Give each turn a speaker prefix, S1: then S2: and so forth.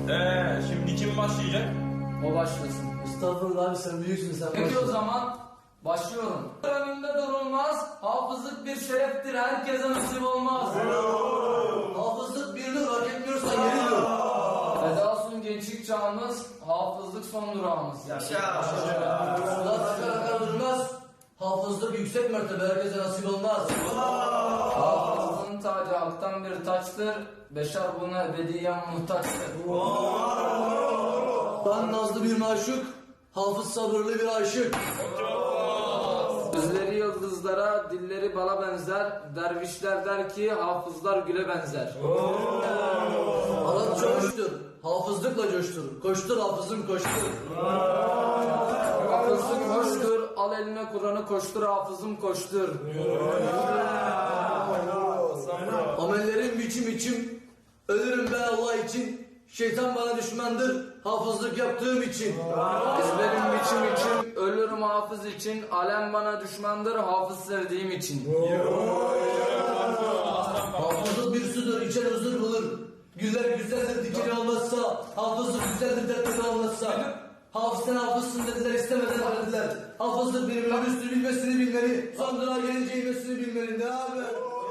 S1: Şimdi kim başlayacak?
S2: O başlasın.
S3: Estağfurullah abi, sen büyüksün, sen
S2: Peki o
S3: başla.
S2: zaman başlıyorum. Önünde durulmaz, hafızlık bir şereftir, herkese nasip olmaz.
S3: Hafızlık bir nur, hak etmiyorsan yeri dur.
S2: Feda olsun gençlik çağımız, hafızlık son durağımız.
S3: Sular akar akar durmaz. Hafızlık yüksek mertebe, herkese nasip olmaz.
S2: Hafızlığın tacı halktan bir taçtır, beşer buna ebediyen muhtaçtır.
S3: Ben nazlı bir maşuk, hafız sabırlı bir aşık.
S2: Gözleri yıldızlara, dilleri bala benzer, dervişler der ki hafızlar güle benzer.
S3: Arapça hoştur, hafızlıkla coştur. Koştur hafızım koştur.
S2: Hafızlık hoştur, al eline Kur'an'ı koştur, hafızım koştur.
S3: Amellerim biçim biçim, ölürüm ben Allah için. Şeytan bana düşmandır, hafızlık yaptığım için.
S2: Ezberim biçim için, ölürüm hafız için, alem bana düşmandır, hafız sevdiğim için.
S3: Hafızlık bir sudur, içer huzur bulur. Güller güzeldir, dikeni olmazsa. Hafızlık güzeldir, dertleri olmazsa. Hafız sen hafızsın dediler, istemeden dediler. Hafızlık bir üstünü bilmesini bilmeli. Son durağa gelince inmesini bilmeli. Ne haber?